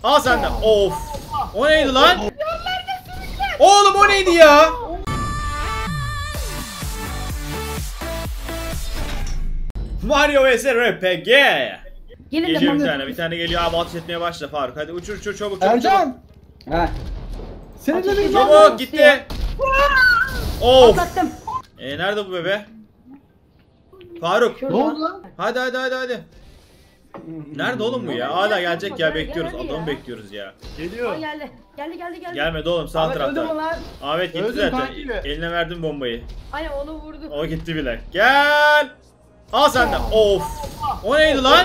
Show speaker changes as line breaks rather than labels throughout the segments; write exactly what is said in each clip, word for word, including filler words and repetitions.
Al sen de. Of. O neydi lan? Oğlum o neydi ya? Mario vs R P G.
Gelin
Geliyor
de
bir tane, bir tane geliyor abi, ateş etmeye başla Faruk. Hadi uçur uçur çabuk çabuk.
Ercan.
He.
Senin de
Ateş
bir
ediyor.
Çabuk gitti. Of.
Atlattım.
E nerede bu bebe? Faruk.
Şurada.
Ne oldu lan?
Hadi hadi hadi hadi. Nerede oğlum bu ya? Hala gelecek ya, bekliyoruz. Adamı bekliyoruz ya.
Aa,
Geliyor.
geldi. Geldi geldi geldi.
Gelmedi oğlum, sağ
Ahmet öldü mü
tarafta.
lan?
Ahmet gitti
Öldüm
zaten.
kanki.
Eline verdim bombayı.
Aynen onu vurdu.
O gitti bile. Gel. Al sen de. Of. O neydi lan?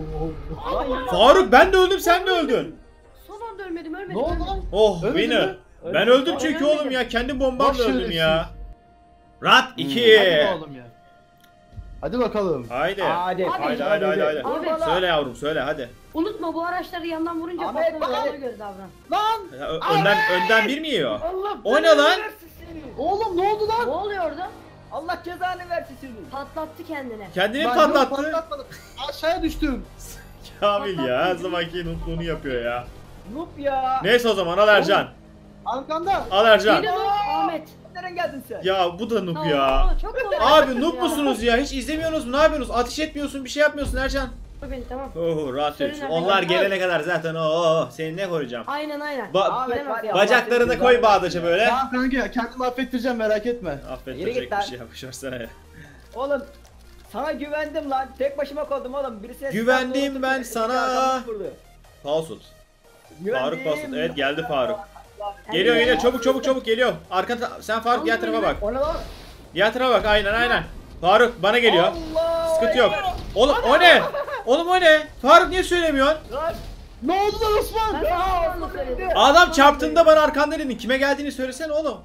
Faruk ben de öldüm, sen de öldün.
Son anda ölmedim ölmedim.
Ne oldu
ölmedim.
lan?
Oh
Ölmedin
beni.
mi?
Ben öldüm çünkü
Ölmedim.
oğlum ya. Kendi bombamla
Boş
öldüm
şerefsiz.
ya. Rat iki.
Hadi oğlum ya. Hadi bakalım.
Haydi.
Hadi.
Haydi haydi haydi haydi.
Abi.
Söyle yavrum söyle hadi.
Unutma bu araçları yandan vurunca
Ahmet,
patlamıyor,
bak.
ona göre davran.
Lan!
Ya, ö- Önden önden bir mi yiyor?
Allah
O ne
belanı
lan?
versin seni.
Oğlum ne oldu
Ne
lan?
oluyor orada?
Allah cezanı versin seni.
Patlattı kendini.
Kendini
Ben yok,
patlattı.
patlatmadım. Aşağıya düştüm.
Kamil ya her zamanki nutluğunu yapıyor ya.
Noob ya.
Neyse o zaman al Ercan.
Arkanda.
Al Ercan.
Yeni noob Ahmet.
Nereden geldin sen?
Ya bu da noob
Ne
ya.
oldu? Çok kolay
Abi
yaptın
noob
ya.
musunuz ya? Hiç izlemiyorsunuz mu? Ne yapıyorsunuz? Ateş etmiyorsun, bir şey yapmıyorsun Ercan.
Vur beni tamam.
Oh rahat
Sorun
üç.
yok.
Onlar gelene kadar zaten oh seni ne koruyacağım?
Aynen aynen.
Ba-
Ahmet var ya.
Bacaklarını
Allah
koy
seni
bağdaşa böyle.
Tamam kanka ya kendimi affettireceğim merak etme.
Yürü
Affettirecek
git
bir
lan.
şey yapmış versene ya.
Oğlum sana güvendim lan. Tek başıma kaldım oğlum. Birisi
Güvendim
silahla
ben
oturdu,
sana.
arkamdan vurdu.
Falsut.
Güvendim.
Faruk Falsut. Evet geldi Faruk.
Hadi
Geliyor
ya.
geliyor çabuk çabuk çabuk geliyor. Arka ta- sen Faruk diğer tarafa bak.
O ne lan?
Diğer tarafa bak aynen aynen. Faruk bana geliyor.
Allah.
Sıkıntı yok. Oğlum o ne? Oğlum o ne? Faruk niye söylemiyorsun?
Lan.
Ne oldu lan Osman?
Ben sana onu söyledim.
Adam çarptığında bana arkandan dedin. Kime geldiğini söylesene oğlum.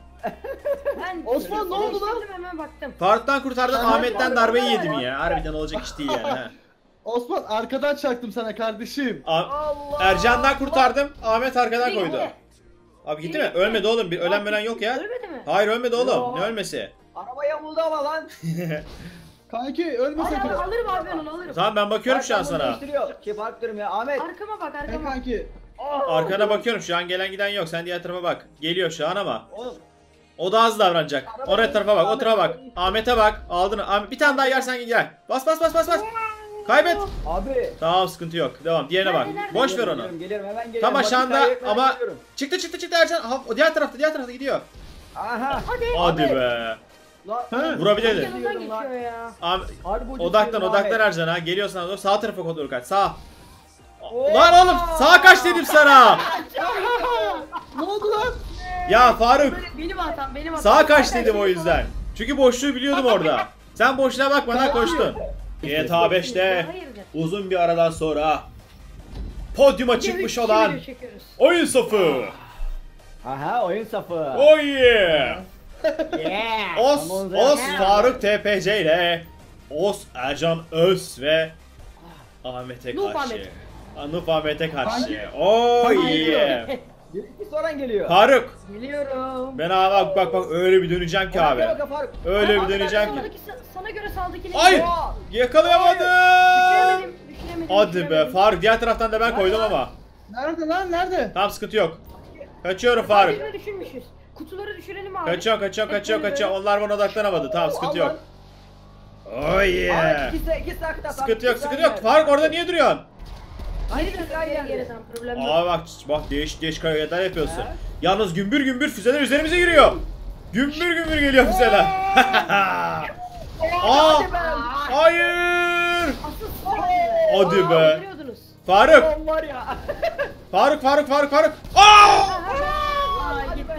Ben
Osman, ne oldu lan?
değiştirdim, hemen baktım.
Faruk'tan kurtardın,
Ben-
Ahmet'ten darbeyi yedim ya. Harbiden olacak iş değil yani. ha.
Osman arkadan çaktım sana kardeşim.
A-
Allah.
Ercan'dan kurtardım, Ahmet arkadan
Gitti,
koydu.
gitti.
Abi gitti mi? Ölmedi oğlum. Bir ölen ölen yok ya.
Ölmedi mi?
Hayır ölmedi oğlum.
Yo.
Ne ölmesi?
Araba yamuldu ama lan.
Kanki ölme
Hadi
sakın.
al- alırım abi ben onu alırım.
Tamam ben bakıyorum şu an
Arkamdan
sana.
değiştiriyor. Ki fark diyorum ya Ahmet.
Arkama bak
Hey
arkama.
kanki.
Arkana bakıyorum, şu an gelen giden yok. Sen diğer tarafa bak. Geliyor şu an ama.
Oğlum.
O da hızlı davranacak. Oraya tarafa bak, o tarafa bak. Ahmet'e bak. Aldın. Ahmet, bir tane daha yersen gel. Bas bas bas bas bas. Kaybet.
Abi.
Tamam sıkıntı yok. Devam. Diğerine bak.
Nerede, nerede?
Boş ver
Geliyorum,
onu.
Geliyorum, geliyorum hemen geliyorum.
Tam
Vakit
aşağında
kaybetmeden
ama
geliyorum.
çıktı çıktı çıktı Ercan. Ha, o diğer tarafta, diğer tarafta gidiyor.
Aha.
Hadi.
Hadi
Abi.
be.
Lan.
He.
Vurabilirdin.
Yanından geçiyor ya.
Ahmet,
Harbi ucuz
odaklan
diyorum
odaklan
Ahmet.
Ercan ha. Geliyor sana doğru. Sağ tarafa doğru kaç. Sağ.
Oo.
Lan oğlum sağa kaç dedim sana.
Ne oldu lan?
Ya Faruk.
Böyle benim hatam benim hatam.
Sağa kaç dedim o yüzden. Çünkü boşluğu biliyordum orada. Sen boşluğa bakmadan koştun. G T A beşte
Hayırdır?
uzun bir aradan sonra podyuma çıkmış
Video
olan
çekiyoruz.
oyun safı.
Aha oyun safı.
Oh yeah.
Yeah.
Os,
Tamam,
Os
yeah.
Faruk T P C ile Os Ercan Öz ve Ahmet'e
Nuh
karşı.
Ahmet.
Nuh Ahmet'e karşı.
Hangi-
Oh
hangi
yeah.
Bir soran geliyor.
Faruk.
Biliyorum.
Ben abi bak bak bak öyle bir döneceğim ki abi.
Bak, bak, Faruk.
Öyle
Bak,
bir
bak,
döneceğim
bak,
ki.
Sağdaki, sana göre sağdakini.
Ay!
bak.
Yakalayamadım.
Düşüremedim. Düşüremedim.
Hadi be
düşüremedim.
Faruk, diğer taraftan da ben koydum ama.
Nerede lan nerede?
Tamam sıkıntı yok. Kaçıyorum Faruk.
Birini düşürmüşüz. Kutuları düşürelim abi.
Kaçıyorum kaçıyorum
Hep
kaçıyorum
böyle
kaçıyorum. Onlar bana odaklanamadı. Tamam sıkıntı yok. Oh yeah.
Ahmet ikisi ikisi hakta.
Sıkıntı yok sıkıntı yok. Faruk orada niye duruyorsun?
Geri
Hayır,
dön
hayır,
geri geri
hayır.
tamam problem yok.
Aa bak bak değişik değişik hareketler yapıyorsun.
He?
Yalnız gümbür gümbür füzeler üzerimize giriyor. Gümbür gümbür geliyor füzeler. Aa!
Hadi be.
Hayır.
Asıl
Hadi be.
Öldürüyordunuz.
Faruk.
Oğlum var ya.
Faruk Faruk Faruk Faruk. Aa!
Aa gitti.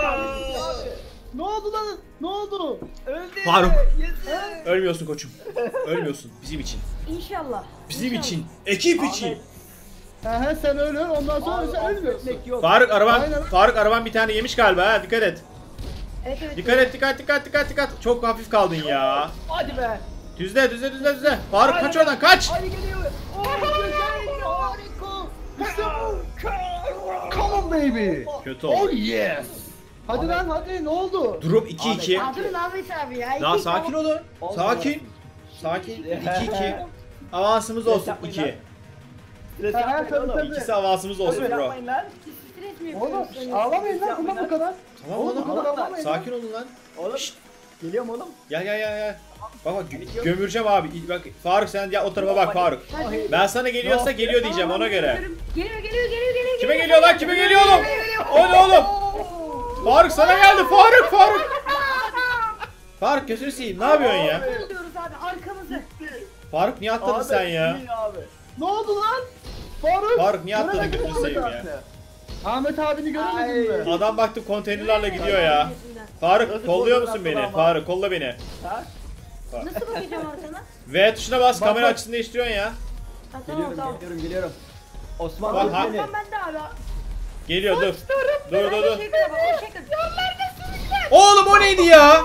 Ne oldu lan? Ne oldu?
Öldü.
Faruk.
Yes.
Ölmüyorsun koçum. Ölmüyorsun bizim için.
İnşallah.
Bizim
İnşallah.
için. Ekip için.
He he sen öyle öl ondan sonra sen ölmüyorsun.
Affetmek yok.
Faruk araban
Aynen.
Faruk araban bir tane yemiş galiba ha, dikkat et.
Evet evet.
Dikkat et dikkat dikkat dikkat dikkat. Çok hafif kaldın ya.
Hadi be.
Düzle düzle düzle düzle. Faruk kaç oradan kaç.
Hadi geliyor. Oh, güzel. Harika.
İşte bu. Come on baby.
Kötü
Oh
oldu.
yes. Hadi lan hadi ne oldu?
Durum iki iki.
Ya durun Ahmet abi ya.
Daha
İki-
sakin olun. Sakin. Sakin. iki iki. Avansımız olsun iki.
Stres
Ha,
yapmayın
tabii,
oğlum.
tabii.
İkisi havasımız olsun
Stres
bro.
yapmayın lan.
Stres mi
Oğlum
yapıyorsunuz?
ağlamayın lan tamam bu kadar.
Tamam
Oğlum bu
oğlum.
kadar ağlamayın. lan.
Sakin olun lan.
Oğlum. Geliyorum oğlum.
Gel gel gel gel. Bak bak gö- gömüreceğim abi. Bak Faruk sen ya o tarafa bak Faruk.
Hadi.
Ben sana geliyorsa geliyor diyeceğim
Tamam,
ona göre.
geliyorum. Geliyor geliyor geliyor geliyor.
Kime geliyor lan? Kime geliyor oğlum? O ne oğlum? Faruk sana geldi. Faruk Faruk. Faruk gözünü seveyim. Ne yapıyorsun ya?
Oluyoruz abi arkamızı.
Faruk niye atladın
Abi,
sen ya?
iyi Abi.
Ne oldu lan? Faruk.
Faruk niye atladın
Göremedin
gözünü
mi
seveyim
Ahmet
ya?
abi? Ahmet abini göremedin
Ay.
mi?
Adam baktım konteynerlarla gidiyor ya. Faruk
Nasıl
kolluyor
kolluyor
musun
lan
beni?
ama?
Faruk kolla beni.
Ha?
Nasıl bakacağım arkana?
V tuşuna bas
Bak,
kamera
bak.
açısını değiştiriyorsun ya.
Ha, tamam
Geliyorum
tamam.
geliyorum geliyorum. Osman
Bak,
bak,
ha-
beni.
Tamam ben de abi.
Geliyor dur. Dur dur dur.
Şey kıra bak o şey kıra.
Oğlum o neydi ya?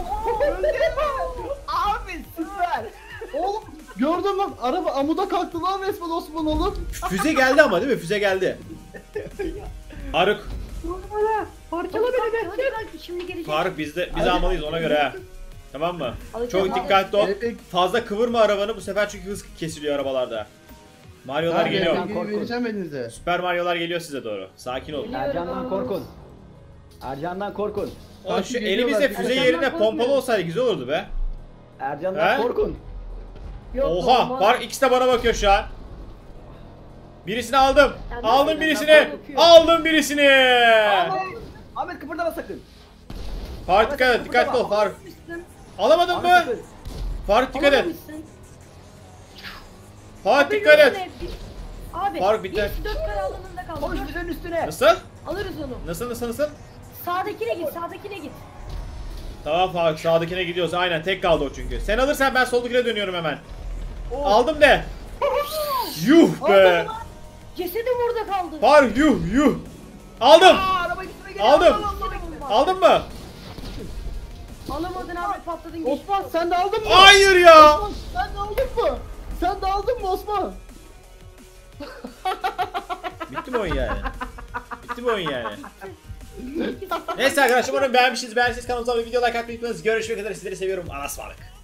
Abi süper.
Oğlum gördün mü? Araba amuda kalktı lan resmen Osman oğlum.
Füze geldi ama değil mi? Füze geldi. Faruk.
Parçala beni be. Hadi hadi şimdi gelecek.
Faruk biz de biz almalıyız ona göre ha. Tamam mı?
Alacağım
Çok
abi.
dikkatli ol.
Evet.
Fazla kıvırma arabanı bu sefer çünkü hız kesiliyor arabalarda. Mario'lar
Hadi,
geliyor.
bilgi
Korkun.
vereceğim elinize.
Süper Mario'lar geliyor size doğru. Sakin olun.
Ercan'dan korkun. Ercan'dan korkun.
Oğlum şu
Takip
elimizde
ediyorlar.
füze
Ercan'dan
yerine
korkmuyor.
pompalı olsaydı güzel olurdu be.
Ercan'dan
He?
korkun.
Yok,
Oha!
olmaz.
Var ikisi de bana bakıyor şu an. Birisini aldım.
Ya
Aldım
nasıl
birisini.
ya? Bakıyor.
Aldım birisini.
Ahmet, Ahmet kıpırdama sakın.
Faruk dikkat et. Dikkatli ol Faruk.
Alamamışsın.
Alamadın
Ahmet
mı?
sakın.
Faruk dikkat et.
Alamamışsın.
Faruk
Abi,
dikkat et.
yürüsene. Abi.
Faruk, bitti.
Biz dört kare alanında kaldık.
Koş
Dur,
füzenin üstüne.
Nasıl?
Alırız onu.
Nasıl nasıl nasıl?
Sağdakine git, sağdakine git.
Tamam Faruk sağdakine gidiyoruz. Aynen tek kaldı o çünkü. Sen alırsan ben soldakine dönüyorum hemen. Aldım de. Yuh be.
Cesedim orada kaldı.
Faruk yuh yuh. Aldım.
Aa, araba gitme geliyor.
Aldım.
Allah Allah.
Aldın mı?
Alamadın abi patladın geçti.
Osman sen de aldın mı?
Hayır ya.
Osman sen de aldın mı? Sen de aldın mı Osman?
Bitti mi oyun yani? Bitti mi oyun yani? Neyse arkadaşlar umarım beğenmişsiniz. Beğendiyseniz kanalımıza abone olmayı, video like atmayı unutmayınız. Görüşmek üzere sizleri seviyorum. Allah'a ısmarladık.